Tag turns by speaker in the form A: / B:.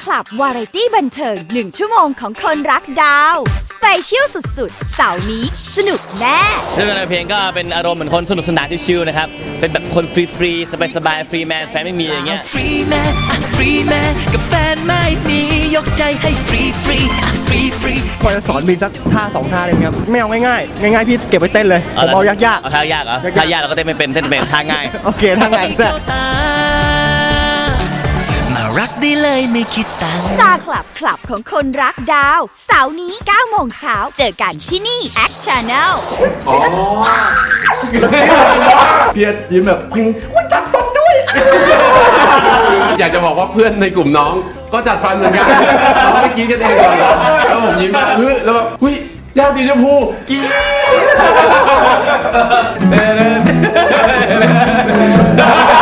A: คลับวาไรตี้บันเทิง1 ชั่วโมงของคนรักดาวสเปเชียลสุดๆเสาร์นี้สนุกแน่
B: เรื่องเพลงก็เป็นอารมณ์เหมือนคนสนุกสนานชิลๆนะครับเป็นแบบคนฟรีๆสบายๆฟรีแมนแฟนไม่มีอย่างเงี้ย
C: ฟรีแมนกับแฟนไม่มียกใจให้ฟรี
D: พอจะสอนมีสักท่า2 ท่าเลยครับไม่เอาง่ายๆพี่เก็บไว้เต้นเลยผมเอายาก
B: ๆเอาท่ายากเหรอท่ายากเราก็เต้นไม่เป็นเต้นเป็นท่าง่าย
D: โอเคท่าง่ายแต่
C: มารักได้เลยไม่คิดตังค์
A: Star Club คลับของคนรักดาวเสาร์นี้9 โมงเช้าเจอกันที่นี่ Act Channel
E: เพียรยิ้มแบบเพลงว่าจัดฟันด้วย
F: อยากจะบอกว่าเพื่อนในกลุ่มน้องก็จัดฟันเหมือนกันน้องไม่กินกันเองก่อนเหรอแล้วผมยิ้มแบบแล้วแบบหุ้ยยาสีชมพูกิน